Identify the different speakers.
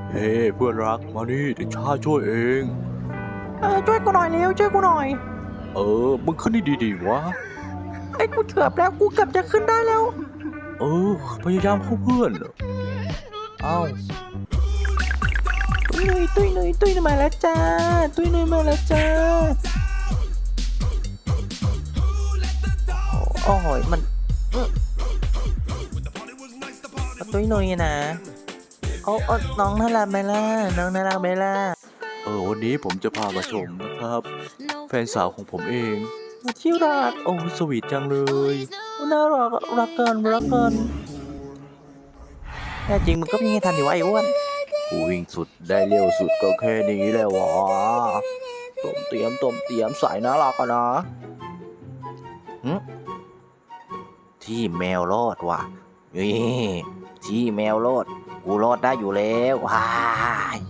Speaker 1: เฮ้เพื่อนรักมานี่เดี๋ยวข้าช่วยเอง
Speaker 2: ช่วยกูหน่อยเร็วช่วยกูหน่อย
Speaker 1: มึงขึ้นได้ดีๆวะ
Speaker 2: กูเกือบแล้วกูเกือบจะขึ้นได้แล้ว
Speaker 1: พยายามเข้าเพื่อน
Speaker 2: เอ้าตุ้ยนุ้ยมาแล้วจ้าตุ้ยนุ้ยมาแล้วจ้าโอ้ยมันตุ้ยนุ้ยนะเอาน้องน่ารักไหมล่ะน้องน่ารักไหมล่ะ
Speaker 1: วันนี้ผมจะพามาชมนะครับ แฟนสาวของผมเอง
Speaker 2: ที่รัก
Speaker 1: สวีทจังเลย
Speaker 2: น่ารักรักกันแน่จริงมึงก็มีให้ทันอยู่วะไอ้อ้วน
Speaker 1: กูวิ่งสุดได้เร็วสุดก็แค่นี้แหละวะต้มเตรียมสายน่ารักอะนะที่แมวรอดว่ะนี่ที่แมวรอด กูรอดได้อยู่แล้วว้าย